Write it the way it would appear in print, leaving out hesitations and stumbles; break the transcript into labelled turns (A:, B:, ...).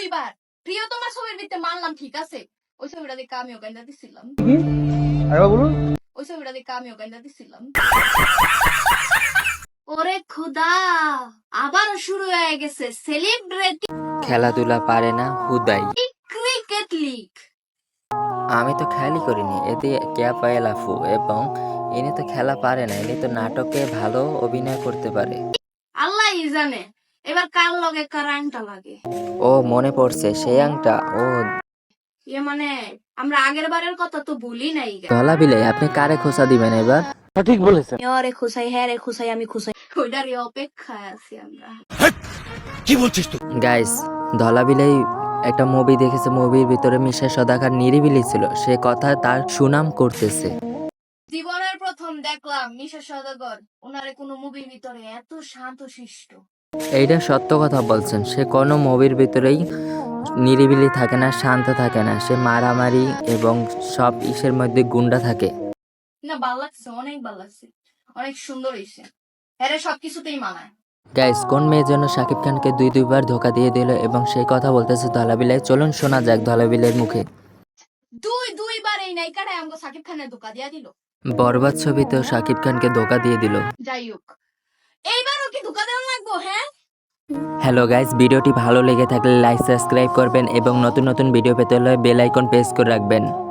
A: দুইবার প্রিয়তমা ছবির ভিতরে মারলাম, ঠিক আছে, ওই ছবিটা দেখে আমিও গাইন্দা দিছিলাম। ওই ছবিটা দেখে আমিও গাইন্দা দিছিলাম। ওরে খুদা, আবার শুরু হয়ে গেছে সেলিব্রিটি
B: খেলাধুলা পারে না হুদাই।
A: Cricket league.
B: আমি তো খেয়ালই করিনি এতে ক্যা পায় লাফু, এবং ইনি তো খেলা পারে না, ইনি তো নাটকে ভালো অভিনয় করতে পারে।
A: আল্লাহই জানে এবার কার লগে কার আংটা লাগে।
B: ও মনে পড়ছে সেই আংটা, ও
A: ইয়ে মানে আমরা আগের বারের কথা তো ভুলি নাই।
B: ধলা বিলাই, আপনি কারে খোঁচা দিবেন এবার?
A: ওরে খুশাই, হ্যাঁ রে খুশাই, আমি খুশাই, ওইটারই অপেক্ষায় আছি আমরা।
B: গাইস, ধলা বিলাই একটা মুভি দেখেছে, মুভির ভিতরে মিশা সদাগর নিরিবিলি ছিল, সে কথা তার সুনাম করতেছে।
A: জীবনের প্রথম দেখলাম মিশা সওদাগর ওনারে কোনো মুভির ভিতরে এত শান্ত শিষ্ট।
B: এইটা সত্য কথা বলছেন, সে কোনো মুভির ভিতরেই নিরিবিলি থাকে না, শান্ত থাকে না, সে মারামারি এবং সব ইসের মধ্যে গুন্ডা থাকে।
A: না, ভাল লাগছে, অনেক ভাল লাগছে, অনেক সুন্দর হয়েছে, হ্যাঁ রে, সবকিছুতেই মানায়।
B: গাইস, কোন মেয়ের জন্য শাকিব খানকে দুইবার ধোকা দিয়ে দিল এবং সেই কথা বলতেছে ধলাবিলাই। চলুন শোনা যাক ধলাবিলের মুখে।
A: দুইবার এই নায়িকাটা আমাকে সাকিব খানের ধোকা দিয়া দিল।
B: বরবাদ ছবিতেও শাকিব খানকে ধোকা দিয়ে দিল।
A: যাই হোক, এইবারও কি ধোকা দেওয়া লাগবো? হ্যাঁ।
B: হ্যালো গাইস, ভিডিওটি ভালো লেগে থাকলে লাইক সাবস্ক্রাইব করবেন এবং নতুন নতুন ভিডিও পেতে হলে বেল আইকন প্রেস করে রাখবেন।